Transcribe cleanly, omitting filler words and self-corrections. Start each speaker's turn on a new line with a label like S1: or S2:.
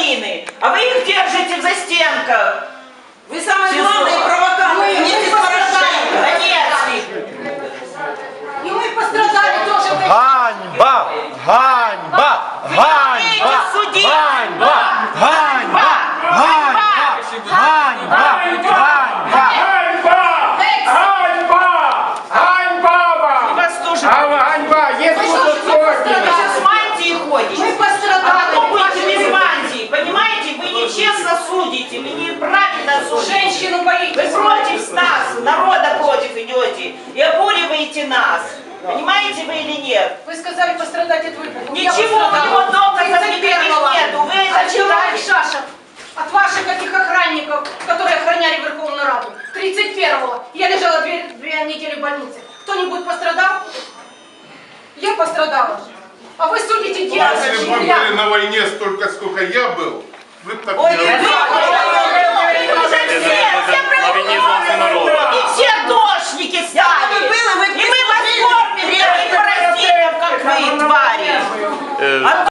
S1: мины, а вы их держите в застенках.
S2: Вы самые главные провокаторы.
S3: И мы пострадали тоже.
S4: Ганьба! Ганьба! Ганьба! Ганьба! Ганьба! Ганьба! Ганьба!
S1: И вас тоже.
S5: Ганьба! Есть
S1: Вы сейчас с мантией ходите.
S3: Мы пострадали.
S1: А потом будете без мантии. Понимаете, вы нечестно судите, вы неправильно судите.
S3: Женщину боитесь.
S1: Вы против нас, народа против идете и обуриваете нас. Понимаете вы или нет?
S3: Вы сказали пострадать от выбухов.
S1: Ничего, у него доказов никаких нету. Вы это
S3: А чего
S1: читали?
S3: Шашев? От ваших этих охранников, которые охраняли Верховную Раду. 31-го я лежала 2 недели в больнице. Кто-нибудь пострадал? Я пострадала. А вы судите дело.
S6: Если бы вы были на войне столько, сколько я был, вы бы так
S1: Ой,
S6: не работали.
S1: И все дошники стали. И мы вас кормим, таких паразитов, как вы, твари.